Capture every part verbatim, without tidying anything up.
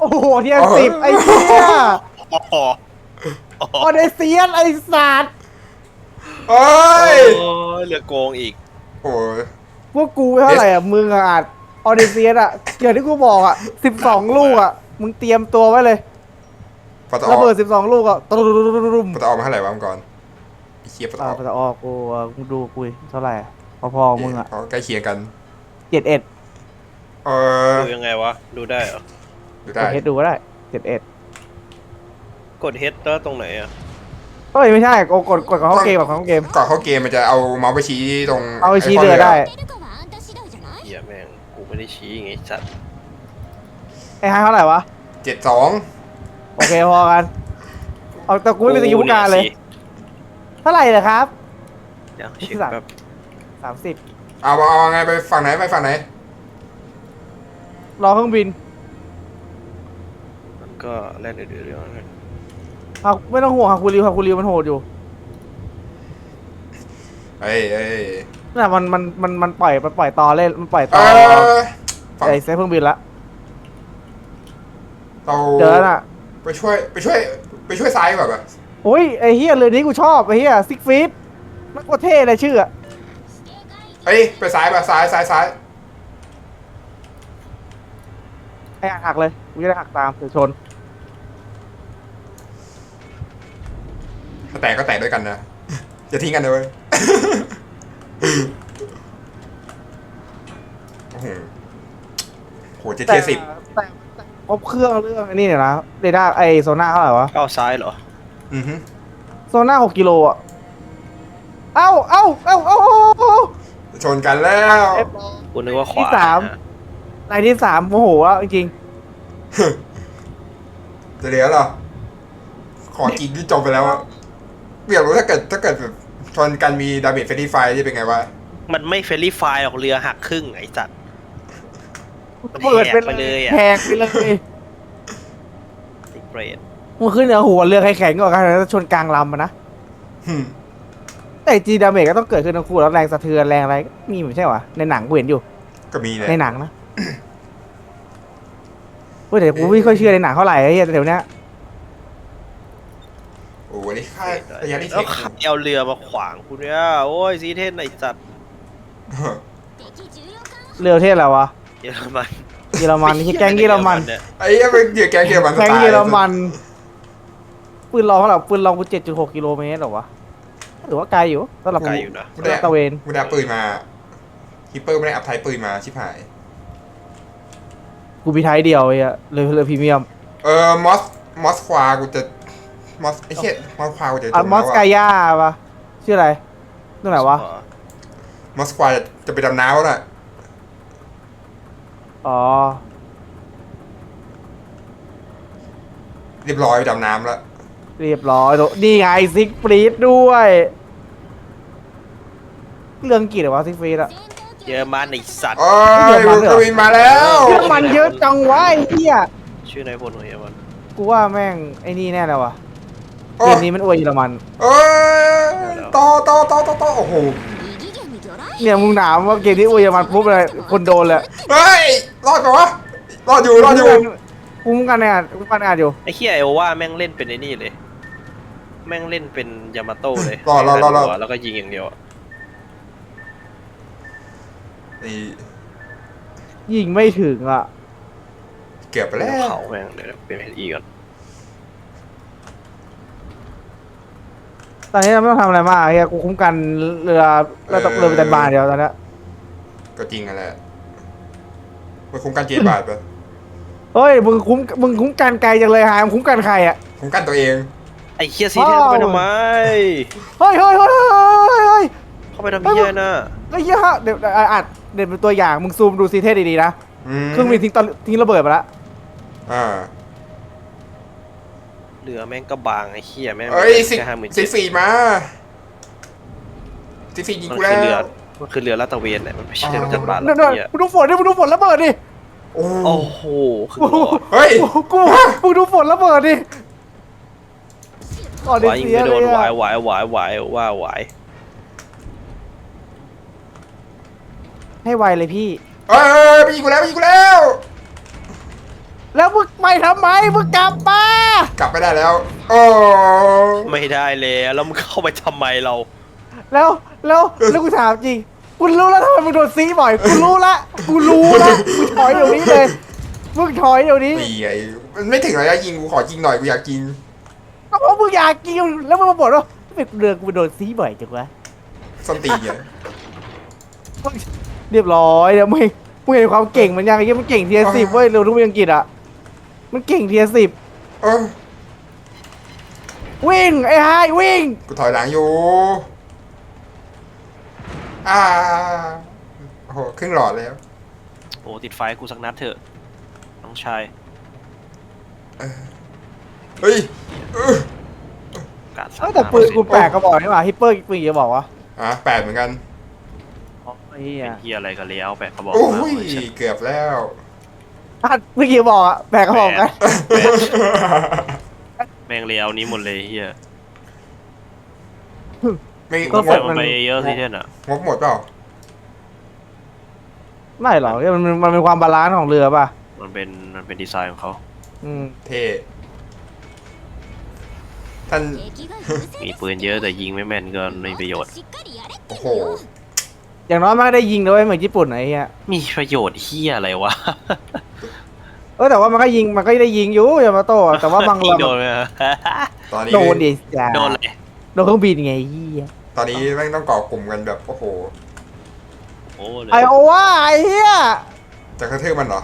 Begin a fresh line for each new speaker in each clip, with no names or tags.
โอ้โหเทียนสิบไอ้เหี้ย
อ๋อ
ออเดเซียนไอ้สัตว์
โอ้ย
โอ้ยเหลือโกงอีก
โอ้ย
พวกกูไม่เท่าไหร่อ่ะมึงอ่ะอาจออเดเซียนอ่ะอย่างที่กูบอกอ่ะสิบสองลูกอ่ะมึงเตรียมตัวไว้เลย
ปตอ
ระเบิดสิบสองลูกอ่ะตุ้มตุ้มตุ้มตุ้ม
ปตอมาเท่าไหร่วะมังกรไอ้เคียปต
อ่า
อ
พอออกกูมึงดูกูเท่าไหร่พอๆมึงอ่ะ
เขาใกล้เคียงกัน
เจ็ดเอ็ด
เออ
ดูยังไงวะดูได้เหรอ
ดู
ก
ได้
ดเฮดดูก็ได้เจ็ดเอ็ด
กดเฮดแล้วตรงไหนอ่ะ
เฮ้ยไม่ใช่กดกดกดของเขาเกมกับของเกม
ก่อนเข้าเกมมันจะเอาเมาส์ไปชี้ตรง
เอาไปชี้เรือได้
เหี้ยแม่งกูไม่ได้ชี้ไงสัตว์
ไอ้ฮาเท่าไหร่วะ
เจ็ดสอง
โอเคพอกันเอาแต่กูไม่เป็นสกิลผู้การเลยเท่าไหร่เหรอครับ
เดี๋ยวเช็คแบบ
สามสิบ
เอาเอาไงไปฝั่งไหนไปฝั่งไหน
รอเครื่องบิน
มันก็แล่นเดือดเรื่องนั้น
ฮาไม่ต้องห่วงฮาคูริวฮาคูริวมันโหดอยู่
เอ้ยเอ้ย
น่ะมันมันมันมันปล่อยมันปล่อยต่อเล่นมันปล่อย
เอ
ต่อ
อ
ไอ้เซฟเครื่องบินละ
เรา
เจอน่ะ
ไปช่วยไปช่วยไปช่วยซ้ายแบบ
โอ้ยไอ้เฮียเรือนี้กูชอบไอ้เฮียซิกฟีดมันก็เท่เลยชื่ออะ
เอ้ยไปซ้ายแบบซ้ายซ้ายซ้าย
ไอ้หักเลยกูจะได้หักตามเดี๋ยวชน
ถ้าแตกก็แตกด้วยกันนะจะทิ้งกันเลยโอ้โหโหเจ็ดเทียสิบ
แต่แต่ครบเครื่องเรื่องไอ้นี่เนี่ยนะเรดาร์ไอโซน่าเท่าไหร่วะ
เข้าซ้ายเหรอ
อือฮึ
โซน่าหกกิโลอ่ะเอ้าเอ้าเอ้าเอ้าเอ้าเอ้า
ชนกันแล้ว
กูนึกว่าขวา
ที่สามรายที่สามโมโหอ่ะจริง
จะเหลือเหรอขอกินที่จบไปแล้วอะอยากรู้ถ้าเกิดถ้าเกิดแบบชนกันมีดาเมจเฟรดี้ไฟที่เป็นไงวะ
มันไม่เฟรนลี่ไฟล์หรอกเรือหักครึ่งไอ้สัตว์
ๆเปิดไป
ไปเลยอะ
แหกไปเลย
ติเบรด
มันขึ้นเหนือหัวเรือใครแข็งกว่ากันแล้วชนกลางลำอะนะ
หึ
แต่จีดาเมจก็ต้องเกิดขึ้นทั้งคู่แล้วแรงสะเทือนแรงอะไรก็มีไม่ใช่หรอในหนังกูเห็นอยู่
ก็มีเลย
ในหนังนะเฮ้ยแต่กูไม่ค่อยเชื่อในหนังเท่าไหร่ไอ้เหี้ยเดี๋ยวนี้
โอ้โหนี่ค่าระยะที่
แล้
เท
ว
ค
ขับเอาเรือมาขวางกูเนี่ยโอ้ยซีเทนไอ้สัตว์
เรือประเทศอะไรวะ
เยอรมัน
เยอรมันที่แก๊งเยอรมัน
เนี่ย
ไอ้เหี้ยเป็นเหยื่อแกงเกี่ยวมัน
แก๊งเยอรมันปืนลองเท่าไหร่ปืนลองกูเจ็ดจุดหกกิโลเมตรหรอวะหรือว่าไกลอยู่สำหรับ
ไกลอยู่นะ
กูได้
ตะเวน
กูได้ปืนมาฮิปเปอร์ไม่ได้อัพไทป์ปืนมาชิบหาย
กูมีไทยเดียวไอ้เหี้ยเลยเลยพรีเมียม
เออมอสมอสควากูจะมอสไอ้เหี้ยมอสควากูจะจ
อ่ะ
ม
มอ
แล้ว
สกา
อะ
ย่าปะชื่ออะไรนั่นไหนวะ
มอสควาจะจะไปดำน้ำแล้วน่ะ
อ๋อ
เรียบร้อยไปดำน้ำแล้ว
เรียบร้อยโดนี่ไงซิกฟรีดด้วยเรื่องกี่เหรอวะซิกฟรีดอะ
เยอรมันไอ้สัตว์
โอ้ยมึงก็วินมาแล้ว
เรื่องมันเยอะจังวะไอ้เหี้ย
ชื่อนายพลของเยอรมัน
กูว่าแม่งไอ้นี่แน่เลยวะ
โอ้
เกมนี้มันอวยเยอรมัน
เอ้ยต่อต่อต่อต่อต่อโอ้โห
เนี่ยมึงถามว่าเกมนี้อวยเยอรมันปุ๊บเลยคนโดนเลย
เฮ้ยรอดปะวะรอดอยู่รอดอยู่
กูมึงกันเนี่ยกูกันอ่านอยู่
ไอ้เฮียไอโอว่าแม่งเล่นเป็นไอ้นี่เลย แม่งเล่นเป็นยามาโต้เลย
รอดรอดรอดรอด
แล้วก็ยิงอย่างเดียวอะ
นี่
ยิงไม่ถึงอ่ะ
เกือบไปแล้ว
เขาแม่งเดี๋ยวเป็นอีก่อน
ตอนนี้เราไม่ต้องทำอะไรมากเฮียกูคุ้มกันเรือเราตกเรือไปแต่บานเดียวตอนนี้
ก็จริงกันแหละมันคุ้มกันเจ็ดบาทปะ
เฮ้ยมึงคุ้มมึงคุ้มกันไกลจังเลยฮะมึงคุ้มกันใครอ่ะ
คุ้มกันตัวเอง
ไอ้เฮียซีเทนเข้าไปทำไม
เฮ้ยเฮ้ยเฮ้ยเฮ้ยเฮ้ย
เข้าไปทำเฮียน่ะ
ไอ้เหี้ยฮะเดี๋ยวอัดเดี๋ยวเป็นตัวอย่างมึงซูมดูซีเทสดีๆนะ
อืม
เครื่องบินทิ้งตอนทิ้งระเบิดไปแล้ว
อ่า
เรือแม่งก็บางไอ้เฮียแม่ง
เอ้ยสิ
แค่ห้าหมื่น
สิฟีมาสิฟียิง
มัน
กู
คื
แล้
อเรือ
ว
มันคือเรือลาดตระเวนแหละมันไม่ใช่เรือจัดบาน
นั่น
แล้ว
ๆ
เฮีย
มึงดูฝนดิมึงดูฝนระเบิดดิ
โอ้
โอ้โหคือ
โอ้โห
เฮ้ย
กูมึงดูฝนระเบิดดิก่อนเด
วายยิง
เซีย
ไม่
เล
โดน
ยว
าย
อะ
วายวายวายว่าไหว
ให้ไวเลยพี่
เอ้ยไปยิงกูแล้วไปยิงกูแล้ว
แล้วมึงไปทำไมมึงกลับมาก
ลับไม่ได้แล้ว โอ้
ไม่ได้เลยแล้วมึงเข้าไปทำไมเรา
แล้วแล้วแล้วกูถามจริงกูรู้แล้วทำไมมึงโดนซีบ่อยกูรู้ละกูรู้ละมึงถอยเดี๋ยวนี้เลยมึงถอยเดี๋ยวนี้
ตีไงมันไม่ถึงระยะยิงกูขอยิงหน่อยกูอยากกิน
ก็เพราะมึงอยากกินแล้วมึงมาบ่นว่าไม่เดือนกูโดนซีบ่อยจังวะ
ส้นตีนไง
เรียบร้อยเดี๋ยวมึงมึงเห็นความเก่งมันยังไงมันเก่งเทียสิบเว้ยเร็วทุกเมืองอังกฤษอ่ะมันเก่งเทียสิบ
เออ
วิ่งไอ้ไฮวิ่ง
กูถอยหลังอยู่อ่าโอ้โหครึ่งหลอดแล้ว
โอ้ติดไฟกูสักนัดเถอะน้องชาย
เฮ้ยเออก
าด
เอ้ยแต่ปืนกูแปลกก็บอกนี่หว่าฮิปเปอร์ปืนจะบอกวะ
อ่ะแปดเหมือนกัน
ไอ้เหี้ย
เป็นเฮียอะไรกันแล้วแปะเขาบอก
โอ้
มาย เว้ย
เกือบแล้ว
อ่ะเมื่อกี้บอกอะแปลกก็บอกกัน
แม่งเลี้ยวนี้หมดเลยเฮีย
ไม่
ก็
ง
ใส่
บ
มันไปเยอะสิเท่นอ่ะ
งบหมดเปล่า
ไม่หรอกมันมันมันเป็นความบาลานซ์ของเรือป่ะ
มันเป็นมันเป็นดีไซน์ของเขา
อืม
เท่ท่าน
มีปืนเยอะแต่ยิงไม่แม่นก็ไม่มีประโยชน์
โอ้โห
อย่างน้อยมันก็ได้ยิงด้วยเหมือนญี่ปุ่นไอ้เหี้ย
มีประโยชน์เฮียอะไรวะ
เออแต่ว่ามันก็ยิงมันก็ได้ยิงอยู่ยามาโต้อะแต่ว่าบาง
ยิง
ลำ
โดนไหมฮะ
ตอนนี้
โดนดิจ้า
โดนเลย
โดนเครื่องบินไงเหี้ย
ตอนนี้แม่งต้องก่อกลุ่มกันแบบโอ้โห
โอ้เลย
ไอโอว่าไอ้เหี้ย
จะกระทืบมันเหรอ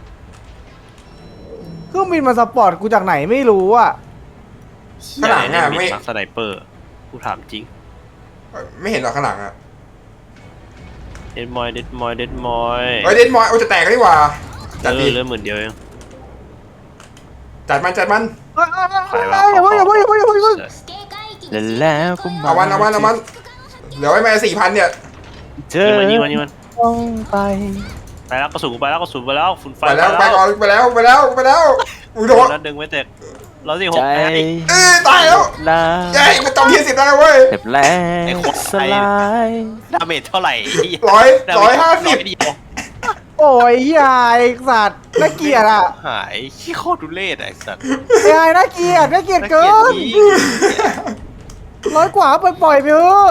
เครื่องบินมาสปอร์ตกูจากไหนไม่รู้อ่ะ
ข้างหลังอะไม่
ไม่มักสไนเปอร์กูถามจริง
ไม่เห็นหรอข้างหลังอ่ะ
เด็ดมอยเด็ดมอยเด็ดมอย
เฮ้ยเดนมอยโอ้จะแตกกันดีกว่า
เอ
จัด
อ
ดี
เหลือหมื่นเดียวเอง
จัดมันจัดมัน
เอ้ยเอ้ยเอ้ยเอ้ยอย่าเพิ่งอย่าเพิ่งอย่าเพิ่งอย่าเพิ่งอย่าเพิ่ง
แล้วก็มา
เอามันเอามันเอามันเหลือไว้มาสี่พันเนี่ย
เจอยิงมันยิงมัน
ต้องไป
ไปแล้วกระสุนกูไปแล้วกระสุนไปแล้วฝุ่นไฟ
ไปแล้วไปก่อนไปแล้วไปแล้วไปแล้วอุ้ยโดน
แล้วดึงไว้เตะร้อยสี่หก
ใจ
ไอ้
เอ้ยตายแล้ว
ลา
เย้มันจำที่สิบได้แล้วเว้ย
เจ็บแรง
ไอ้โคตร
สลาย
ดาเมจเท่าไหร่
ร้อยร้อยห้าสิบ
เดียว
โอ้ยยายสัตว์น่าเกลียดอ่ะ
หายขี้โคตรดุเล่ไอ้สัตว์
ยายน่าเกลียดน่าเกลียด
น่า
เกิ
เกลียด
น
จริง
ร้อยกว่าปล่อยปล่อยไปเถอะ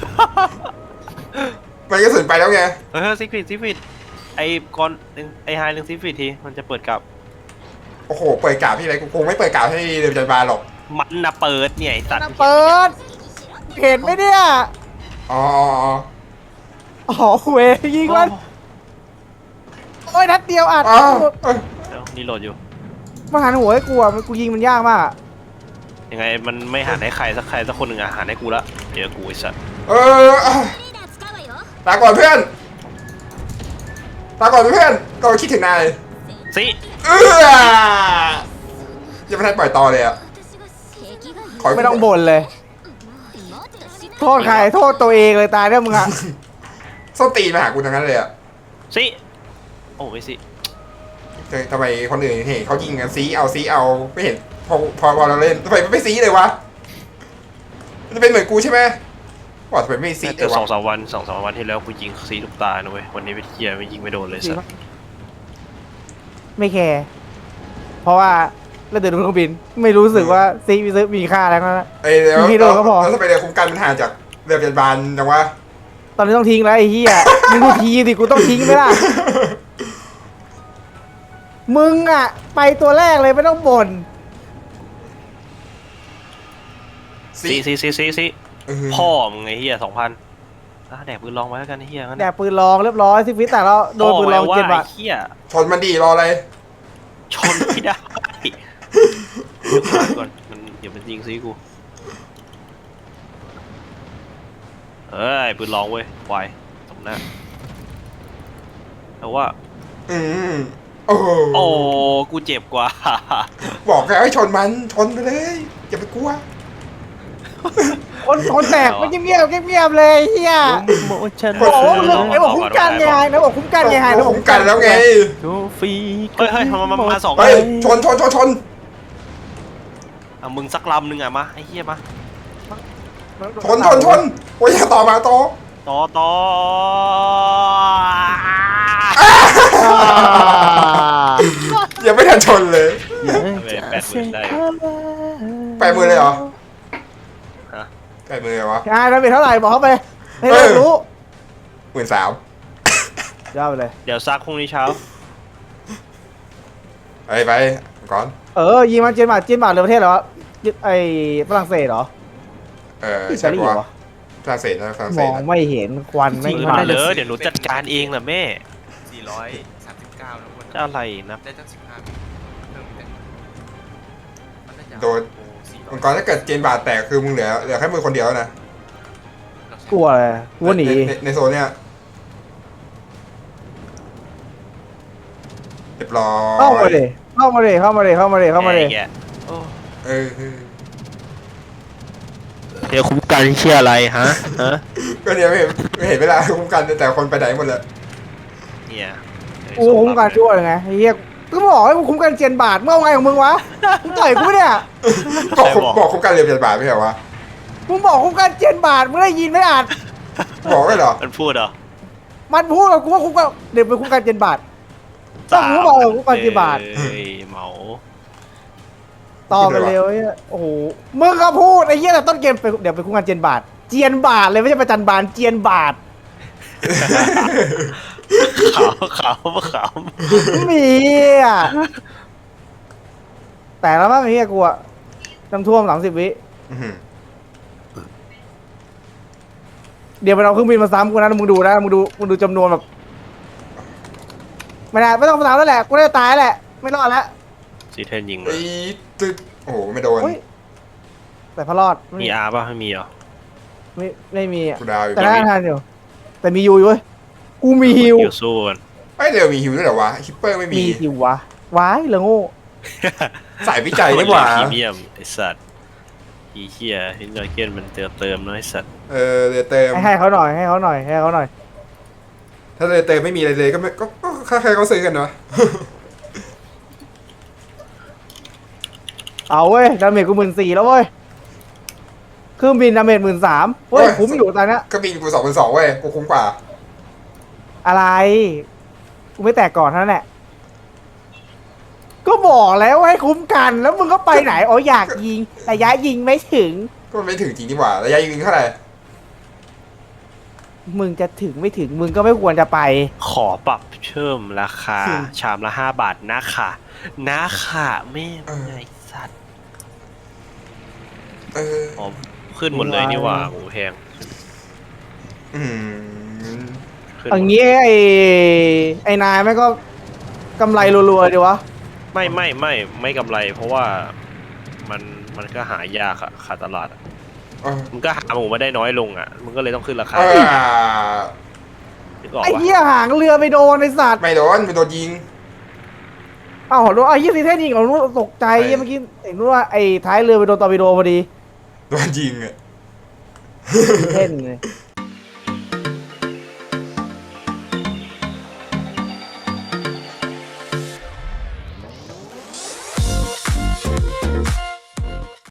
มันกระสุนไปแล้วไง
เฮ้ยซิฟิตซิฟิตไอ้ก่อนไอ้ไฮเรื่องซิฟิตทีมันจะเปิดกับ
โอ้โหเปิดกาบที่ไรกูคงไม่เปิดกาบให้เดิมจันบาลหรอก
มันนะเปิดเนี่ยไอ้สัตว์
เปิดเห็นไหมเนี่ย
อ๋อ
อ๋อเวยิงมันโอ้ยนัดเดียวอัด
อ๋อเอ้ย
เดี๋ยวนี่โหลดอยู่
มาหันหัวให้กูอ่ะมันกูยิงมันยากมาก
ยังไงมันไม่หันให้ใครสักใครสักคนหนึ่งอะหันให้กูละเดี๋ยวกูไอ้สัตว์
เออลาก่อนเพื่อนลาก่อนเพื่อนก็คิดถึงนาย
ซิ
เออยังไม่ทันปล่อยต่อเลยอ่ะข
ไม่ต้องบ่นเลย โทษใครโทษตัวเองเลยตายเนี่ยมึงอ่ะ
ส้นตีนมาหากูทั้งนั้นเลยอ่ะ
ซิโอ้ไม่ซิ
เฮ้ยทำไมคนอื่นเห็นเขายิงกันซีเอาซีเอาไม่เห็นพอพอพอเราเล่นทำไมไม่ซีเลยวะมันจะเป็นเหมือนกูใช่ไหมว่าทำไมไม่ซีเล
แต่
ยวะ
สองสามวันสองสามวันที่แล้วกูยิงซีทุกตานะเว้ยวันนี้ไปเที่ยวไม่ยิงไม่โดนเลยสัตว์
ไม่แคร์เพราะว่าแล้วเดินบนเครื่องบินไม่รู้สึกว่าซีมีซื้อมีค่าแล้วนะ
เอ้ยเดี๋ยว
มีโดนก็พอ
แล้วทำไมเรือคุ้มกันมันห่างจากเรือพยาบาลจังวะ
ตอนนี้ต้องทิ้งแล้วไอ้เหี้ยมึงกูทีสิกูต้องทิ้งไหมล่ะมึงอ่ะ ไปตัวแรกเลยไม่ต้องบ่น
ซีซีซีซีซี
เออ
พ่อมึงไอ้เหี้ยสองพันแดกปืนลองไว้แล้วกันไอ้เหี้ยงั้น
แดกปืนลองเรียบร้อยสิฟิตแต่เราโดนปืนลอง
ว่า
เจ็บ
ไอ้
อ่ะ
เหี้ย
ชนมันดีรออะไร
ชนไม่ได้เดี๋ยวก่อนมันเดี๋ยวมันยิงซีกูเอ้ยปืนลองเว้ยควายตรงหน้าแต่ว่า
อืมโอ้โห
โอ้กูเจ็บกว่า
บอกแล้วให้ชนมันชนไปเลยอย่าไปกลัว
คนคนแตกไม่เงียบเงียบเงียบๆเลยไอ้เฮีย
โมชัน
โอ้โหไอ้บอกคุ้มกันไงไอ้บอกคุ้มกันไงไอ้บอก
ผม
คุ้ม
กั
กัน น
แล้วไง
โทฟี
เฮ้ยเฮ้ยมามามาสอง
เฮ้ยชนชนชนชน
อ่ะมึงสักลำหนึ่งอ่ะมาไอ้เหี้ยมา
ชนชนชนโอ้ยอย่าต่อมาต่อ
ต่อต่อ
อ่า
ยังไม่ทันชนเลย
แปดหมื่นได้
แปดหมื่นเลยเหรอ
ฮะ
แปดหมื่นเลยวะ
อ่าดาเมจเท่าไหร่บอกเขาไปให้เรา
เออ
รู้
หมื่นสาม
ยาวไปเลย
เดี๋ยวซักพรุ่งนี้เช้า
ไปไปก่อน
เออยิงมันเจนบาทเจนบาทเลยประเทศเหรอไอ้ฝรั่งเศสเหรอ
เออ
อิ
ใช่
ตาลี
ปะ
เหร
วะ
อ
ฝรั่งเศสนะฝรั่งเศ
ม
ส
อง
นะ
ไม่เห็นควันไม่
ซื้อ
มา
มาเลยเดี๋ยวหนูจัดการเองนะแม่
สี่ร้อยสามสิบเก้านะคน
จะอะไรนะ
ได้ตั้งสิบห้าวิเพิ่มอีกมันน่าจะ
โดน
โอ้สี่ร้อย
มังกรถ้าเกิดเจนบาทแตกคือมึงเหลือเหลือแค่มือคนเดียวแล้วนะ
กลัวเลยกลัวหนี
ใในในโซนเนี้ยเรียบร้อย
เข้ามาเลยเข้ามาเลยเข้ามาเลยเข้ามาเลยเข้ามาเลย
แกโอ้
เออเออ
เดี๋ยวคุ้มกันเชื่ออะไรฮะฮะ
ก็เดี๋ยวไม่เห็นไม่เห็นเวลาคุ้มกันแต่คนไปไหนหมดเลย
เนี่ย
กูคุ้มกันช่วยไงไอ้เหี้ยก็บอกให้กูคุ้มกันเจนบาทเมื่อไงของมึงวะมึงต่อยกูไม่เนี่ย
บอกคุ้มบอกคุ้มกันเรียนเจนบาทไม่ใช่เหรอวะ
มึงบอกคุ้มกันเจนบาทมึงได้ยินไหมอ่าน
บอกไม่เหรอ
มันพูดเหรอ
มันพูดกับกูว่าคุ้มกันเดี๋ยวไปคุ้มกันเจนบาท ต้องรู้บอกคุ้มกันกี่บาท
เอ้ยเหมา
ต่อไปเร็วไอ้เหี้ยโอ้โหมึงก็พูดไอ้เหี้ยแต่ต้นเกมไปเดี๋ยวไปคุ้มกันเจนบาทเจียนบาทเลยไม่ใช่ประจันบาลเจียนบาท
ขาวขาวขาว
มีอ่ะแต่แล้วมั้งไอ้เหี้ยกูอะน้ำท่วมสามสิบวิ
อื้อหือ
เดี๋ยวมันเอาเครื่องบินมาซ้ำกูนะมึงดูนะมึงดูมึงดูจำนวนแบบไม่ได้ไม่ต้องมาซ้ำแล้วแหละกูได้ตายแล้วแหละไม่รอดแล้ว
ซีเทนยิง
ไอ้ตึ๊ดโอ้โหไม่โดน
เฮ้ยแต่พอรอด
มีอาร์ป่ะไม่มีเหรอ
ไม่ไม่มีอะ
กูดาวอยู่
แต่น่าทานอยู่แต่มียูอยู่เว้ยกูมีฮิว
เดี๋ยวสู้กัน
ไอ้ยเดี๋ยวมีฮิวด้วยเหรอวะฮิปเปอร์ไม่มี
มีฮิววะว้ายเหลือโง่
สายวิจัยนี่หว่า
พรีเมียมไอสัตว์อีเหี้ยฮินดอยเกนมันเติมเติมน้อยสัตว์
เออเรือเติม
ให้ให้เขาหน่อยให้เขาหน่อยให้เขาหน่อย
ถ้าเรือเติมไม่มีอะไรเลยก็ไม่ก็ก็ใครๆเขาซื้อกันเนาะ
เอาเว้ยดาเมจกูหมื่นสี่แล้วเว้ยเครื่องบินดาเมจหมื่นสามเว้ยคุ้มอยู่ตอนเนี้ย
ก็บินกูสองพันสองเว้ยกูคุ้มกว่า
อะไรกูไม่แตกก่อนเท่านั้นแหละก็บอกแล้วให้คุ้มกันแล้วมึงก็ไปไหนอ๋ออยากยิงระยะยิงไม่ถึง
ก็มันไม่ถึงจริงดีกว่าระยะยิงเท่าไหร่
มึงจะถึงไม่ถึงมึงก็ไม่ควรจะไป
ขอปรับเพิ่มราคา
อืม
ชามละห้าบาทนะค่ะนะค่ะแม่งไงสัตว์
เออ
อ๋อขึ้นหมดเลยนี่หว่าหมูแพง
อืม
ขึ้นห
อ
มด
ย่างงี้ไอ้ไอ้นายแม่งก็กำไรรัวๆดีวะ
ไม่ไม่ไม่ไม่กำไร เพราะว่ามันมันก็หายากอะขาดตลาดอะ
เออ
มันก็หาหมูมาได้น้อยลงอะมันก็เลยต้องขึ้นราคา
เออ
นึกออก
ไอ้
ปะ
เหี้ยหางเรือไปโดนไอ้สัตว์
ไม่โดนไม่โดนยิง
อ้าวโดนไอ้เหี้ยซีเทนยิงเราตกใจ
ใช่
เหี้ยเมื่อกี้เห็นว่าไอ้ท้ายเรือไปโดนตอร์ปิโดพอดี
โดนยิงอ่ะ
ซีเทนเลย